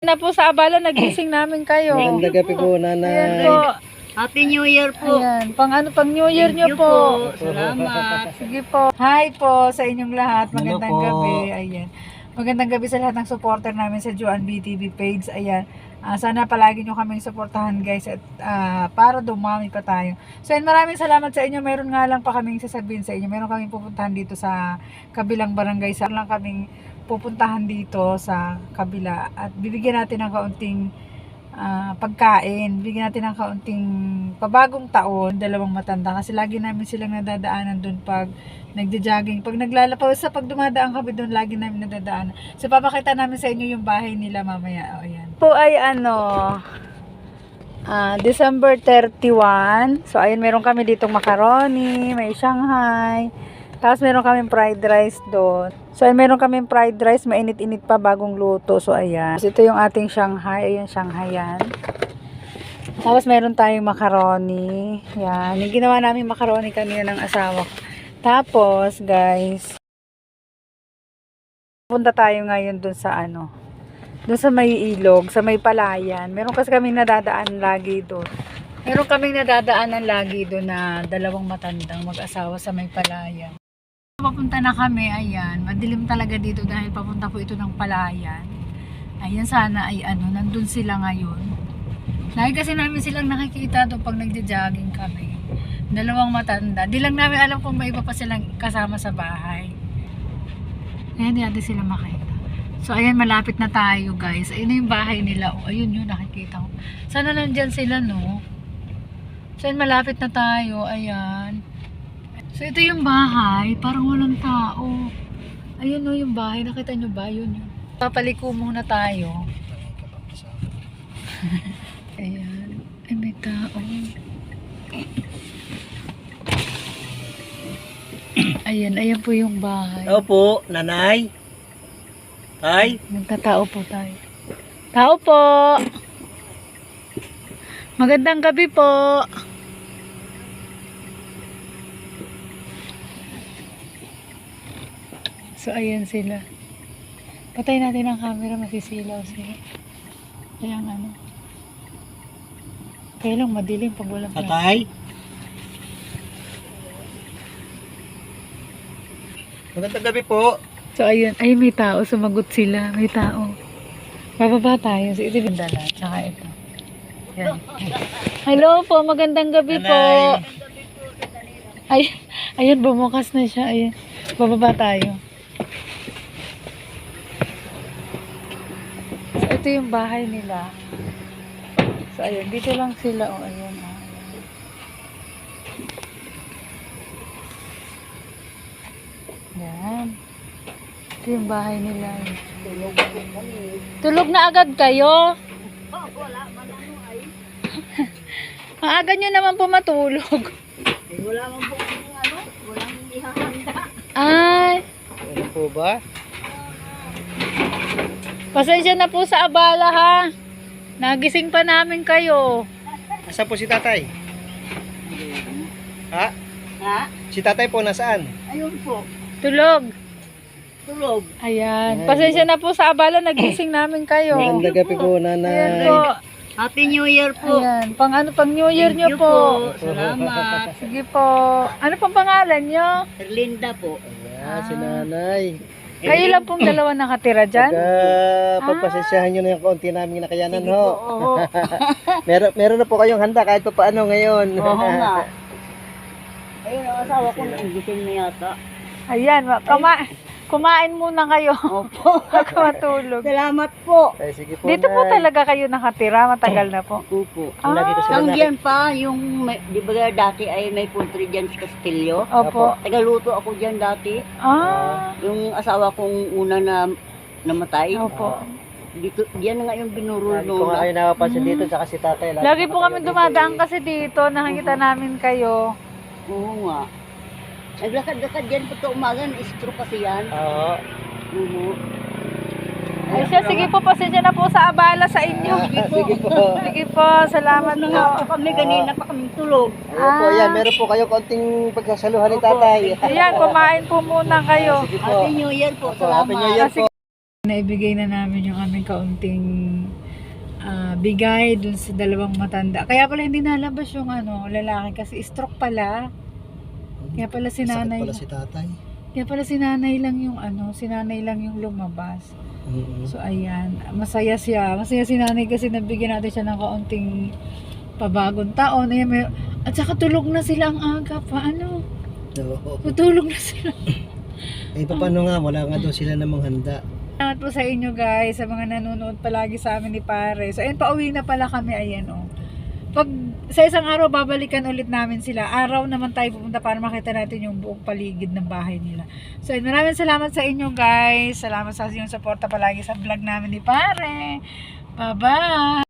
na po sa abala, nagising namin kayo. Magandang gabi po, nanay. Ayan po. Happy New Year po. Ayan, pang New Year nyo Thank you po. Salamat. Sige po. Hi po sa inyong lahat. Magandang Hello po. gabi. Ayan. Magandang gabi sa lahat ng supporter namin sa Joan BTV page. Ayan. Sana palagi nyo kaming supportahan guys at para dumami pa tayo. So ayan, maraming salamat sa inyo. Meron nga lang pa kaming sasabihin sa inyo. Meron kaming pupuntahan dito sa kabilang barangay. Sa lang kaming pupuntahan dito sa kabila at bibigyan natin ng kaunting pagkain. Bigyan natin ng kaunting pabagong taon, dalawang matanda kasi lagi namin silang nadadaanan doon pag nagja-jogging. Pag pag dumadaan kami doon, lagi namin nadadaanan. So papakita namin sa inyo yung bahay nila mamaya. O ayan. Po ay December 31. So ayun, meron kami ditong macaroni, may Shanghai. Tapos meron kaming fried rice doon. So ayun, meron kaming fried rice, mainit-init pa, bagong luto. So ayan. So, ito yung ating Shanghai. Ayan, Shanghai yan. Tapos meron tayong macaroni. Yan. Yung ginawa namin macaroni kanina ng asawa ko. Tapos guys, punta tayo ngayon doon sa doon sa may ilog, sa may palayan. Meron kasi kaming nadadaan lagi doon. Meron kaming nadadaanan lagi doon na dalawang matandang mag-asawa sa may palayan. Papunta na kami, ayan. Madilim talaga dito dahil papunta po ito ng palayan. Ayan, sana ay nandun sila ngayon. Lagi kasi namin silang nakikita doon pag nagja-jogging kami. Dalawang matanda. Di lang namin alam kung may iba pa silang kasama sa bahay. Ayan, di natin sila makita. So, ayan, malapit na tayo, guys. Ayun na yung bahay nila. O, ayun yun, nakikita ko. Sana nandyan sila, no? So, ayan, malapit na tayo. Ayan. So, ito yung bahay. Parang walang tao. Ayun, no, yung bahay. Nakita nyo ba? Yun, yun. Papaliko muna tayo. Ayan. Ay, may tao. Ayan, ayan po yung bahay. Opo, nanay. Ay. Nagtatao po tayo. Tao po! Magandang gabi po! So, ayan sila. Patay natin ang camera, masisilaw sila. Kaya kaya lang madilim pag walang flash. Tatay. Magandang gabi po. So, ayun. Ay, may tao. Sumagot sila. May tao. Bababa tayo. So, ito yung dala. Tsaka ito. Yan. Hello po. Magandang gabi po. Ay, ayun. Bumukas na siya. Ayun. Bababa tayo. So, ito yung bahay nila. So, ayun. Dito lang sila. O, ayun. Yan. Ito yung bahay nila. Tulog na agad kayo? Wala, manano ay. Maaga nyo naman po matulog. Wala man po walang ihahanda. Ay, Ano po ba? pasensya na po sa abala ha. Nagising pa namin kayo. Nasaan po si tatay? Ha? Ha? Si tatay po nasaan? Ayun po. Tulog. Tulog. Ayan. Pasensya na po sa abala. Nagising namin kayo. Magandang gabi po, Ayan nanay. po. Happy New Year po. Ayan. Pang New Year Thank nyo you po. Salamat. Sige po. Ano pong pangalan nyo? Linda po. Ayan, si nanay. Kayo lang pong dalawa nakatira dyan? Pagpasensyahan nyo na yung kaunti namin nakayanan, Sige ho. po, oo. Meron na po kayong handa kahit pa paano ngayon. Oo nga. Ayun ang asawa ko, nagising na yata. Ayan. Kumain muna kayo. Opo. Bago matulog. Salamat po. Ay, sige po, Dito po nay. talaga kayo nakatira. Matagal na po. Opo. Lagi ko sila Hanggang pa, di ba dati ay may poultry dyan sa Castillo? Opo. Tagaluto ako dyan dati. Ah. Yung asawa kong una na namatay. Opo. Dito, diyan na nga yung binurul Lagi ko nga kayo nakapansin dito, tsaka si tatay. Lagi po kami dumadaan kasi dito. Nakikita namin kayo. Oo nga. Naglakad-lakad dyan po ito umaga, na-stroke kasi yan. Oo. Oo. Ay siya, sige po. Pasensya na po sa abala sa inyo. Sige po. Sige po. Salamat Na nga po. po kami, kanina pa kami tulog. Ayun po, yan. Meron po kayo konting pagsasaluhan ni tatay. Ayan, kumain po muna kayo. Sige po. Happy New Year po, Happy New salamat. Year po. Naibigay na namin yung aming kaunting bigay dun sa dalawang matanda. Kaya pala hindi nalabas yung lalaki kasi stroke pala. Kaya pala si Sakit nanay. pala si tatay. Kaya pala si nanay lang yung si nanay lang yung lumabas. So ayan, masaya siya. Masaya si nanay kasi nabigyan natin siya ng kaunting pabagong taon. Ayan, at saka tulog na sila ang aga pa. Oo. Tutulog na sila. Eh, paano nga, wala nga daw sila namang handa. Salamat po sa inyo guys, sa mga nanonood palagi sa amin ni Pare. So ayun, pauwi na pala kami, ayan Pag sa isang araw, babalikan ulit namin sila. Araw naman tayo pupunta para makita natin yung buong paligid ng bahay nila. So ayun, maraming salamat sa inyo guys. Salamat sa inyong suporta palagi sa vlog namin ni Pare. Bye-bye!